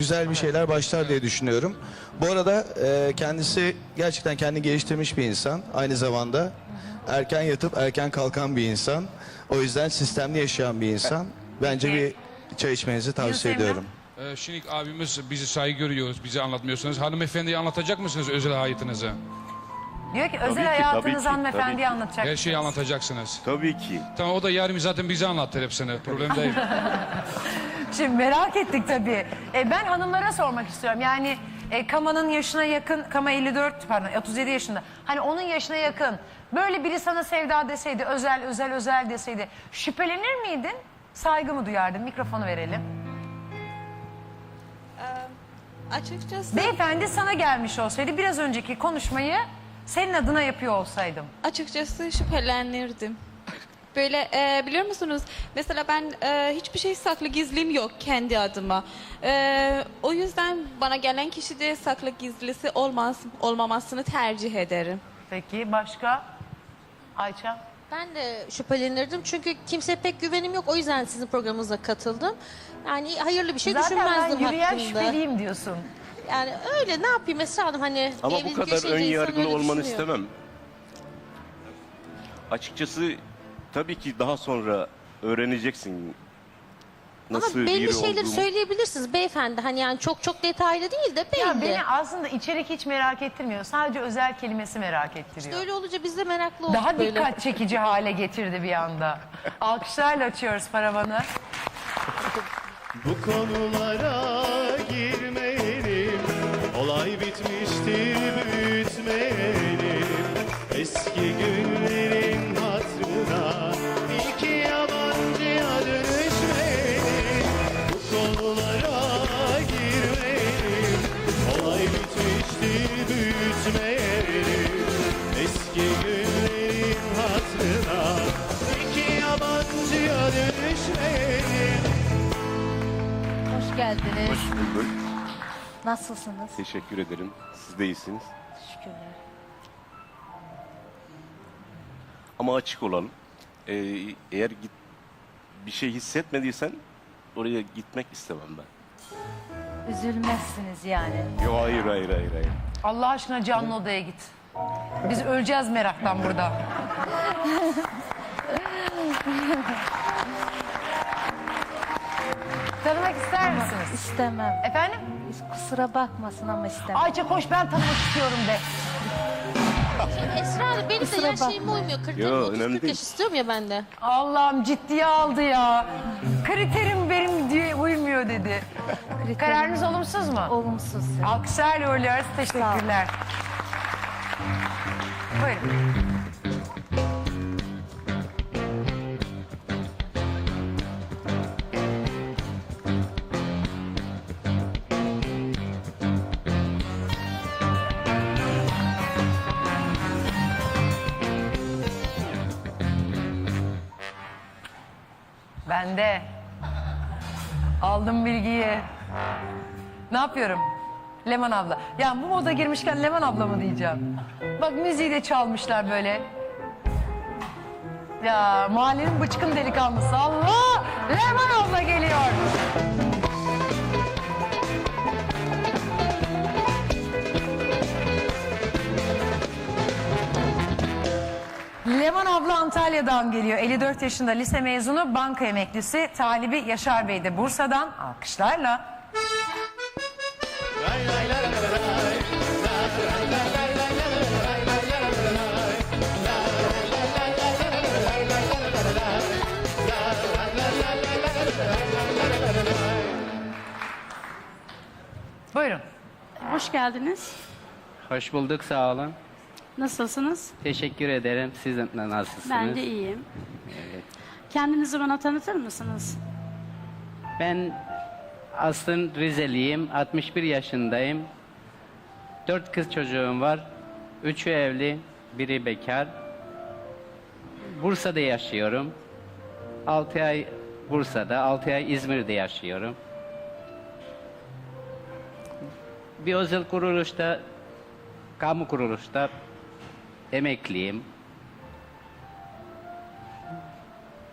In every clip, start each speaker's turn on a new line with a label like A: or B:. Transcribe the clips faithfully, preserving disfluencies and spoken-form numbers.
A: güzel bir şeyler başlar diye düşünüyorum. Bu arada e, kendisi gerçekten kendini geliştirmiş bir insan. Aynı zamanda erken yatıp erken kalkan bir insan. O yüzden sistemli yaşayan bir insan. Bence bir çay içmenizi tavsiye
B: Yunus Emre?
A: ediyorum.
C: Ee, şimdi abimiz bizi saygı görüyoruz, bizi anlatmıyorsunuz. Hanımefendiye anlatacak mısınız özel hayatınızı?
B: Diyor ki
D: Tabii
B: özel
D: ki,
B: hayatınızı
D: tabii ki, tabii
B: hanımefendiye
D: ki.
B: anlatacak.
C: Her şeyi anlatacaksınız.
D: Tabii ki.
C: Tamam, o da yarın zaten bize anlatır hepsini. Problem değil.
B: Şimdi merak ettik tabii. E, ben hanımlara sormak istiyorum. Yani e, Kama'nın yaşına yakın, Kama elli dört pardon otuz yedi yaşında. Hani onun yaşına yakın böyle biri sana sevda deseydi, özel özel özel deseydi şüphelenir miydin? Saygı mı duyardın? Mikrofonu verelim.
E: Açıkçası,
B: Beyefendi sana gelmiş olsaydı biraz önceki konuşmayı senin adına yapıyor olsaydım.
E: açıkçası şüphelenirdim. Böyle e, biliyor musunuz? Mesela ben e, hiçbir şey saklı gizlim yok kendi adıma. E, o yüzden bana gelen kişi de saklı gizlisi olmaz, olmamasını tercih ederim.
B: Peki başka? Ayça?
F: Ben de şüphelenirdim çünkü kimseye pek güvenim yok. O yüzden sizin programınıza katıldım. Yani hayırlı bir şey
B: Zaten ben
F: düşünmezdim
B: yürüyen
F: hakkında.
B: şüpheliyim diyorsun.
F: Yani öyle ne yapayım Esra Hanım hani
D: Ama bu
F: evlilik
D: kadar
F: yaşayınca
D: ön
F: insan
D: yargılı
F: öyle
D: olmanı
F: düşünüyor.
D: istemem. Açıkçası tabii ki daha sonra öğreneceksin nasıl
F: Ama belli
D: biri
F: şeyleri
D: olduğumu.
F: söyleyebilirsiniz beyefendi. Hani yani çok çok detaylı değil de belli.
B: Ya beni aslında içerik hiç merak ettirmiyor. Sadece özel kelimesi merak ettiriyor.
F: Öyle olunca biz de meraklı olduk
B: Daha
F: böyle.
B: dikkat çekici hale getirdi bir anda. Alkışlarla açıyoruz paravanı.
G: Bu konulara girmeyelim, olay bitmiştir büyütmeyelim. Eski günlerin hatırına iki yabancıya dönüşmeyelim. Bu konulara girmeyelim, olay bitmiştir büyütmeyelim. Eski günlerin hatırına iki yabancıya dönüşmeyelim.
H: Hoş geldiniz.
D: Hoş bulduk.
H: Nasılsınız?
D: Teşekkür ederim. Siz de iyisiniz.
H: Şükürler.
D: Ama açık olalım. Ee, eğer git, bir şey hissetmediysen oraya gitmek istemem ben.
H: Üzülmezsiniz yani.
D: Yok hayır hayır hayır hayır.
B: Allah aşkına canlı odaya git. Biz öleceğiz meraktan burada. Tanımak ister misiniz?
H: İstemem.
B: Efendim?
H: Kusura bakmasın ama istemem.
B: Ayça koş ben tanımak istiyorum de.
F: Esra Hanım benim de
H: Kusura
F: yaş şeyime
H: bakma.
F: uymuyor. kırk
D: Yo,
F: otuz
D: önemli
F: kırk
D: değil.
F: yaş istiyorum ya ben de.
B: Allah'ım ciddiye aldı ya. Kriterim benim diye uymuyor dedi. Kararınız olumsuz mu?
H: Olumsuz.
B: Alkışlarla uğurluyoruz. Teşekkürler. Buyurun. Ben de aldım bilgiyi. Ne yapıyorum? Leman abla. Ya bu moda girmişken Leman abla mı diyeceğim? Bak müziği de çalmışlar böyle. Ya mahallenin bıçkın delikanlısı. Allah! Leman abla geliyor. Leman abla Antalya'dan geliyor. elli dört yaşında lise mezunu, banka emeklisi. Talibi Yaşar Bey de Bursa'dan. Alkışlarla. Buyurun.
I: Hoş geldiniz.
J: Hoş bulduk, sağ olun.
I: Nasılsınız?
J: Teşekkür ederim. Siz de nasılsınız?
I: Ben de iyiyim.
J: Evet.
I: Kendinizi bana tanıtır mısınız?
J: Ben aslında Rizeliyim. altmış bir yaşındayım. Dört kız çocuğum var. Üçü evli, biri bekar. Bursa'da yaşıyorum. Altı ay Bursa'da, altı ay İzmir'de yaşıyorum. Bir özel kuruluşta, kamu kuruluşta emekliyim.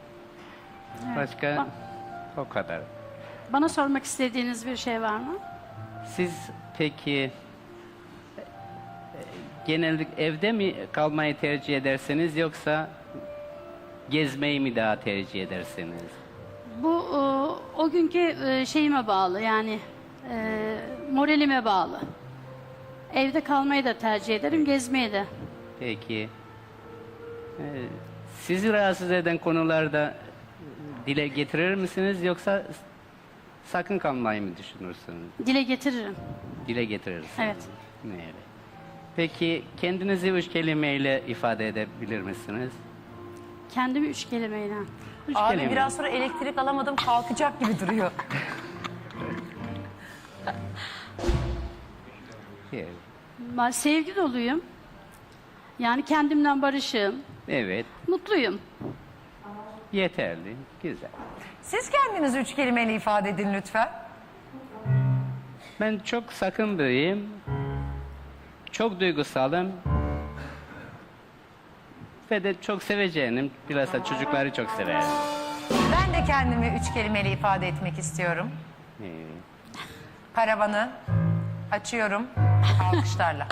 J: Başka o kadar.
I: Bana sormak istediğiniz bir şey var mı?
J: Siz peki e, genellik evde mi kalmayı tercih edersiniz yoksa gezmeyi mi daha tercih edersiniz?
I: Bu o, o günkü e, şeyime bağlı yani e, moralime bağlı. Evde kalmayı da tercih ederim, gezmeyi de.
J: Peki. e, sizi rahatsız eden konularda dile getirir misiniz yoksa sakın kalmayı mı düşünürsünüz?
I: Dile getiririm.
J: Dile getirirsiniz.
I: Evet.
J: Evet. Peki kendinizi üç kelimeyle ifade edebilir misiniz?
I: Kendimi üç kelimeyle.
J: Üç
B: Abi
J: kelime.
B: biraz sonra elektrik alamadım kalkacak gibi duruyor.
J: Evet.
I: Ben sevgi doluyum. Yani kendimden barışığım.
J: Evet.
I: Mutluyum.
J: Yeterli. Güzel.
B: Siz kendinizi üç kelimeyle ifade edin lütfen.
J: Ben çok sakın biriyim. Çok duygusalım. Ve de çok seveceğim. Bilhassa çocukları çok severim.
B: Ben de kendimi üç kelimeyle ifade etmek istiyorum.
J: Evet.
B: Paravanı açıyorum alkışlarla.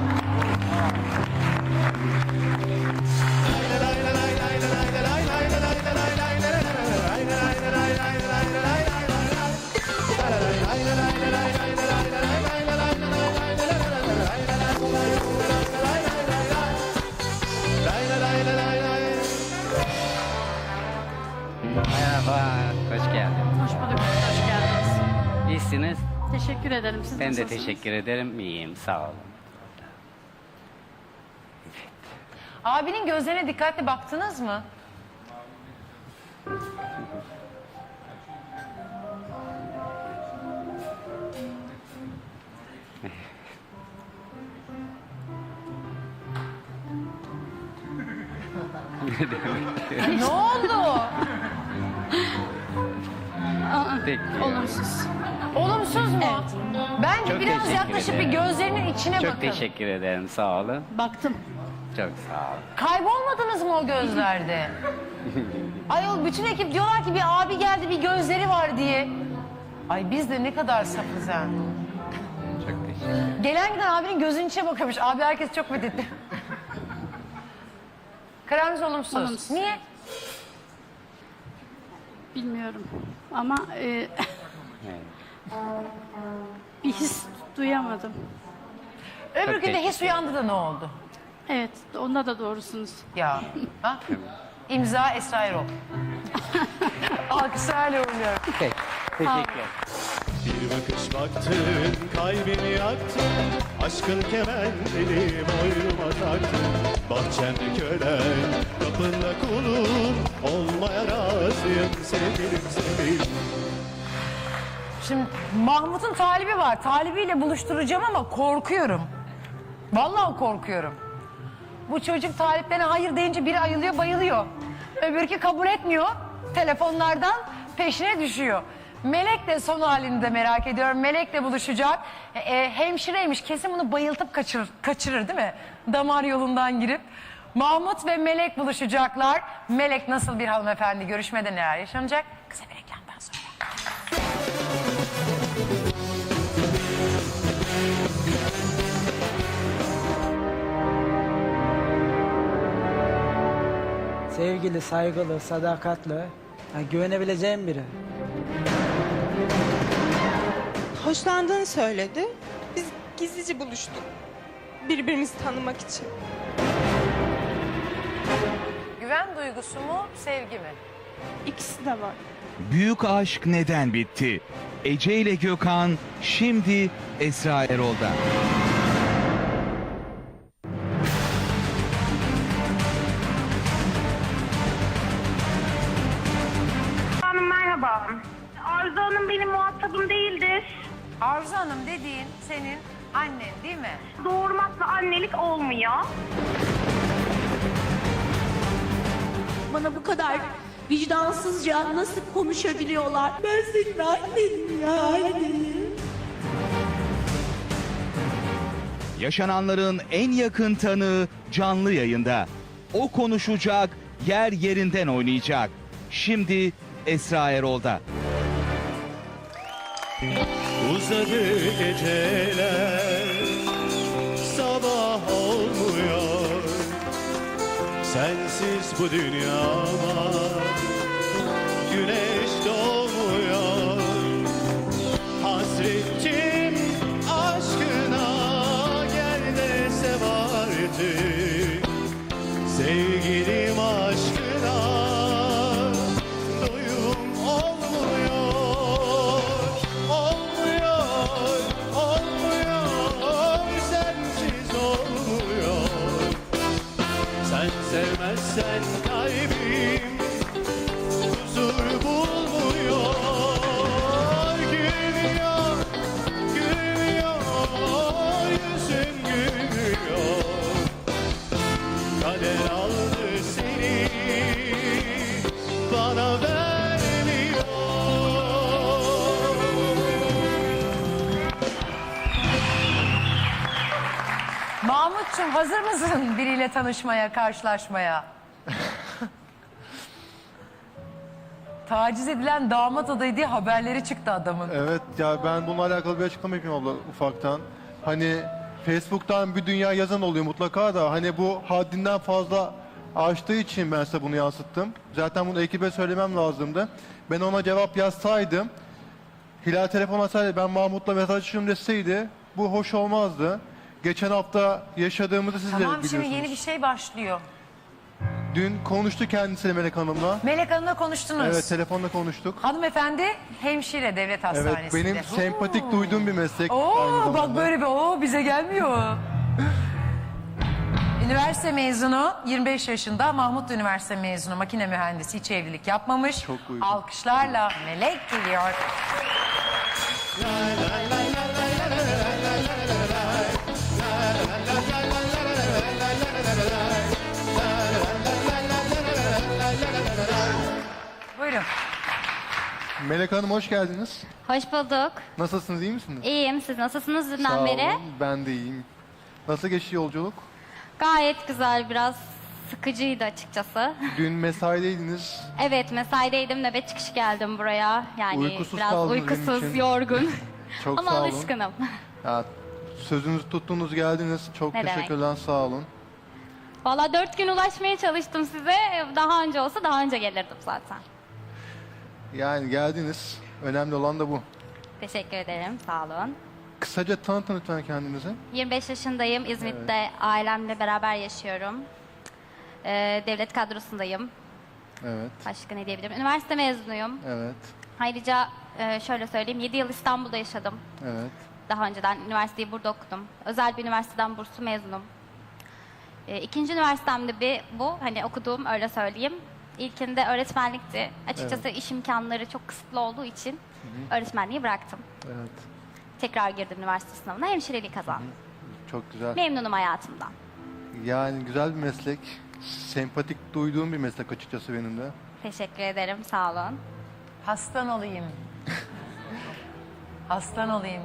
J: Merhaba. Hoş geldin.
I: Hoş bulduk. Hoş geldiniz.
J: İyisiniz.
I: Teşekkür ederim. Siz
J: Ben de
I: nasılsınız?
J: teşekkür ederim. İyiyim. Sağ olun.
B: Abinin gözlerine dikkatli baktınız mı? Ne oldu?
I: Aa,
J: Peki.
I: olumsuz.
B: Olumsuz mu? Bence
J: Çok
B: biraz
J: teşekkür
B: yaklaşıp
J: ederim.
B: bir gözlerinin içine
J: Çok
B: bakın.
J: teşekkür ederim. Sağ olun.
I: Baktım.
J: Çok sağ olun.
B: Kaybolmadınız mı o gözlerde? Ayol bütün ekip diyorlar ki bir abi geldi bir gözleri var diye. Ay biz de ne kadar safız ha.
J: Çok teşekkür ederim.
B: Gelen giden abinin gözünün içine bakamış. Abi herkes çok methetti. Kararınız olumsuz.
I: Olumsuz.
B: Niye?
I: Bilmiyorum. Ama e,
J: Evet.
I: bir his duyamadım.
B: Öbür
J: Çok
B: gün de
J: teşekkür
B: his uyandı da ne oldu?
I: Evet, onda da doğrusunuz.
B: Ya. Ha? İmza Esra Erol. Alkışlarla uğurluyorum.
J: Peki. Teşekkür ederim.
G: Bir bakış baktın, kalbimi yaktın. Aşkın kemenleri boynuma taktın. Bahçemde kölen, kapında kulun. Olmaya razıyım sevgilim sevgilim.
B: Şimdi Mahmut'un talibi var. Talibiyle buluşturacağım ama korkuyorum. Vallahi korkuyorum. Bu çocuk taliplerine hayır deyince biri ayılıyor bayılıyor. Öbürkü kabul etmiyor. Telefonlardan peşine düşüyor. Melek de son halini de merak ediyorum. Melek'le buluşacak. E, e, hemşireymiş. Kesin bunu bayıltıp kaçırır, kaçırır değil mi? Damar yolundan girip. Mahmut ve Melek buluşacaklar. Melek nasıl bir hanımefendi? Görüşmede neler yaşanacak? Kısa bir reklamdan sonra.
K: Sevgili, saygılı, sadakatli, yani güvenebileceğim biri.
L: Hoşlandığını söyledi. Biz gizlice buluştuk. Birbirimizi tanımak için.
B: Güven duygusu mu, sevgi mi?
L: İkisi de var.
M: Büyük aşk neden bitti? Ece ile Gökhan şimdi Esra Erol'da.
N: Hanım merhaba. Arzu Hanım benim muhatabım değildir.
B: Arzu Hanım dediğin senin annen değil mi?
N: Doğurmakla annelik olmuyor.
L: Bana bu kadar vicdansızca nasıl konuşabiliyorlar? Ben senin annenim ya annenim.
M: Yaşananların en yakın tanığı canlı yayında. O konuşacak, yer yerinden oynayacak. Şimdi Esra Erol'da.
G: Uzun Uzadı geceler, sabah olmuyor. Sensiz bu dünyama güneş doğmuyor. Hasretim aşkına, gel de sev artık. Sevgilim aşkına doyum olmuyor. Olmuyor, olmuyor, sensiz olmuyor. Sen sevmezsen kalbim huzur bulmuyor. Gülmüyor, gülmüyor, yüzün gülmüyor. Kader aldı seni, bana vermiyor.
B: Mahmut'cum hazır mısın biriyle tanışmaya, karşılaşmaya? Taciz edilen damat adayı diye haberleri çıktı adamın.
O: Evet ya, ben bununla alakalı bir açıklama yapayım abla ufaktan. Hani Facebook'tan bir dünya yazan oluyor mutlaka da, hani bu haddinden fazla aştığı için ben size bunu yansıttım. Zaten bunu ekibe söylemem lazımdı. Ben ona cevap yazsaydım, Hilal telefon açsaydı, ben Mahmut'la mesajlaşıyorum deseydi, bu hoş olmazdı. Geçen hafta yaşadığımızı siz de
B: Tamam
O: biliyorsunuz.
B: şimdi yeni bir şey başlıyor.
O: Dün konuştu kendisiyle Melek Hanım'la.
B: Melek Hanım'la konuştunuz.
O: Evet, telefonla konuştuk.
B: Hanımefendi hemşire devlet
O: Evet,
B: hastanesinde.
O: benim sempatik duyduğum bir meslek. aynı
B: Oo
O: zamanda.
B: bak böyle bir oo bize gelmiyor. Üniversite mezunu, yirmi beş yaşında, Mahmut Üniversite mezunu, makine mühendisi, hiç evlilik yapmamış.
O: Çok uygun.
B: Alkışlarla Melek geliyor. Buyurun.
O: Melek Hanım hoş geldiniz.
P: Hoş bulduk.
O: Nasılsınız, iyi misiniz?
P: İyiyim. Siz nasılsınız
O: Sağ
P: dünden beri?
O: olun, ben de iyiyim. Nasıl geçti yolculuk?
P: Gayet güzel. Biraz sıkıcıydı açıkçası.
O: Dün mesaideydiniz.
P: Evet, mesaideydim. Nöbet çıkışı geldim buraya. Yani
O: Uykusuz
P: biraz
O: kaldınız benim
P: uykusuz,
O: için.
P: yorgun.
O: Çok
P: Ama
O: sağ olun.
P: alışkınım.
O: Ya, sözünüzü tuttunuz, geldiniz. Çok
P: Ne demek.
O: teşekkürler, sağ olun.
P: Valla dört gün ulaşmaya çalıştım size. Daha önce olsa daha önce gelirdim zaten.
O: Yani geldiniz. Önemli olan da bu.
P: Teşekkür ederim. Sağ olun.
O: Kısaca tanıtın lütfen kendinizi.
P: yirmi beş yaşındayım. İzmit'te ailemle beraber yaşıyorum. Ee, devlet kadrosundayım.
O: Evet,
P: Başka ne diyebilirim? Üniversite mezunuyum.
O: evet,
P: Ayrıca e, şöyle söyleyeyim, yedi yıl İstanbul'da yaşadım.
O: evet.
P: Daha önceden üniversiteyi burada okudum. Özel bir üniversiteden burslu mezunum. E, ikinci üniversitemde bir bu, hani okuduğum öyle söyleyeyim. İlkinde öğretmenlikti. Açıkçası iş imkanları çok kısıtlı olduğu için öğretmenliği bıraktım.
O: Evet,
P: Tekrar girdim üniversite sınavına, hemşireliği kazandım.
O: çok güzel.
P: Memnunum hayatımdan.
O: Yani güzel bir meslek. Sempatik duyduğum bir meslek açıkçası benim de.
P: Teşekkür ederim, sağ olun.
B: Hastan olayım. Hastan olayım.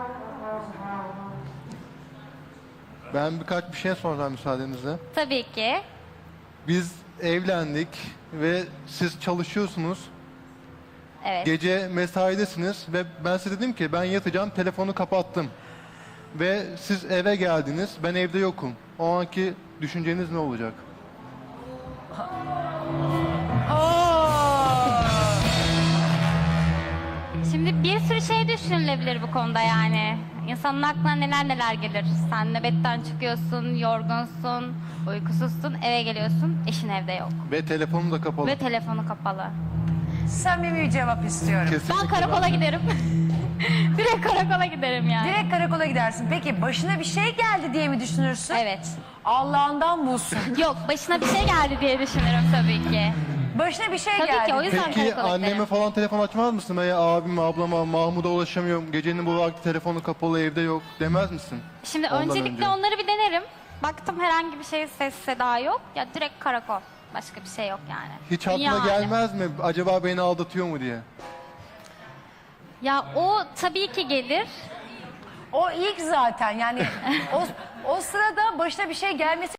O: Ben birkaç bir şey soracağım müsaadenizle.
P: Tabii ki.
O: Biz evlendik ve siz çalışıyorsunuz.
P: Evet.
O: Gece mesaidesiniz ve ben size dedim ki ben yatacağım, telefonu kapattım. Ve siz eve geldiniz, ben evde yokum. O anki düşünceniz ne olacak?
P: Şimdi bir sürü şey düşünülebilir bu konuda yani. İnsanın aklına neler neler gelir. Sen nöbetten çıkıyorsun, yorgunsun, uykusuzsun, eve geliyorsun, eşin evde yok.
O: Ve telefonum da kapalı.
P: Ve telefonu kapalı.
B: Samimi bir cevap istiyorum.
P: Ben karakola giderim. Direkt karakola giderim yani.
B: Direkt karakola gidersin. Peki başına bir şey geldi diye mi düşünürsün?
P: Evet.
B: Allah'ından bulsun.
P: Yok, başına bir şey geldi diye düşünürüm tabii ki.
B: Başına bir şey
P: Tabii
B: geldi.
P: ki, o yüzden
O: Peki
P: karakola
O: anneme
P: giderim.
O: falan telefon açmaz mısın? Veya abime, ablama, Mahmut'a ulaşamıyorum. Gecenin bu vakti telefonu kapalı, evde yok demez misin?
P: Şimdi
O: Ondan
P: öncelikle
O: önce.
P: onları bir denerim. Baktım herhangi bir şey, ses seda yok. Ya direkt karakol. Başka bir şey yok yani.
O: Hiç aklına
P: Yani.
O: gelmez mi? Acaba beni aldatıyor mu diye?
P: Ya o tabii ki gelir.
B: O ilk zaten yani o, o sırada başına bir şey gelmesi